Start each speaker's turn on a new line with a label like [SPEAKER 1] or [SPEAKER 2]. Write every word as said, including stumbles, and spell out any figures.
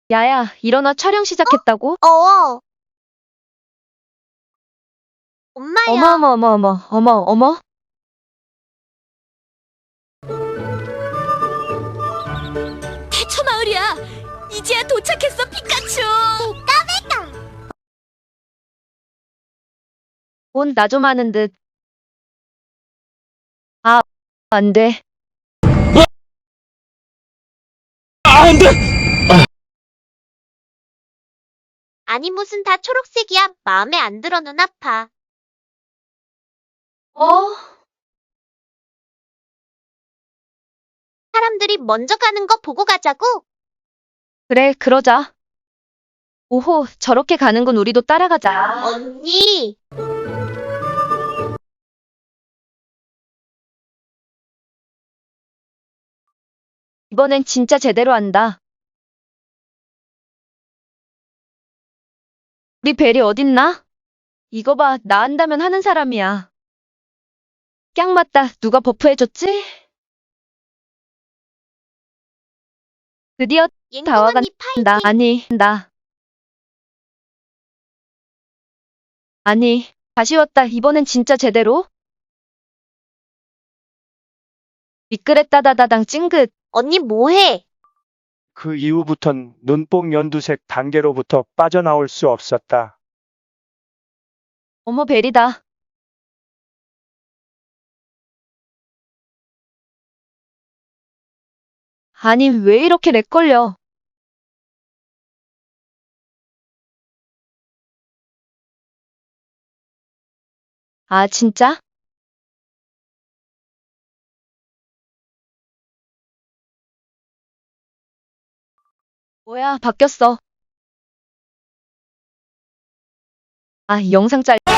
[SPEAKER 1] 야야, 일어나. 촬영 시작했다고?
[SPEAKER 2] 어. 엄마야.
[SPEAKER 1] 어머 어머 어머 어머 어머 어머.
[SPEAKER 3] 대처 마을이야. 이제야 도착했어, 피카츄.
[SPEAKER 1] 온 나 좀 하는 듯. 아, 안 돼.
[SPEAKER 2] 아니 무슨 다 초록색이야. 마음에 안 들어. 눈 아파.
[SPEAKER 1] 어?
[SPEAKER 2] 사람들이 먼저 가는 거 보고 가자고.
[SPEAKER 1] 그래, 그러자. 오호, 저렇게 가는군. 우리도 따라가자.
[SPEAKER 2] 언니.
[SPEAKER 1] 이번엔 진짜 제대로 한다. 우리 벨이 어딨나? 이거 봐, 나 한다면 하는 사람이야. 깍 맞다. 누가 버프해줬지? 드디어
[SPEAKER 2] 옌공
[SPEAKER 1] 다 와간다.
[SPEAKER 2] 언니 파이팅.
[SPEAKER 1] 아니, 나. 아니, 아쉬웠다. 이번엔 진짜 제대로? 미끄레따다다당 찡긋.
[SPEAKER 2] 언니 뭐해?
[SPEAKER 4] 그 이후부턴 눈뽕 연두색 단계로부터 빠져나올 수 없었다.
[SPEAKER 1] 어머, 벨이다. 아니, 왜 이렇게 렉 걸려? 아, 진짜? 뭐야, 바뀌었어. 아, 영상 짤.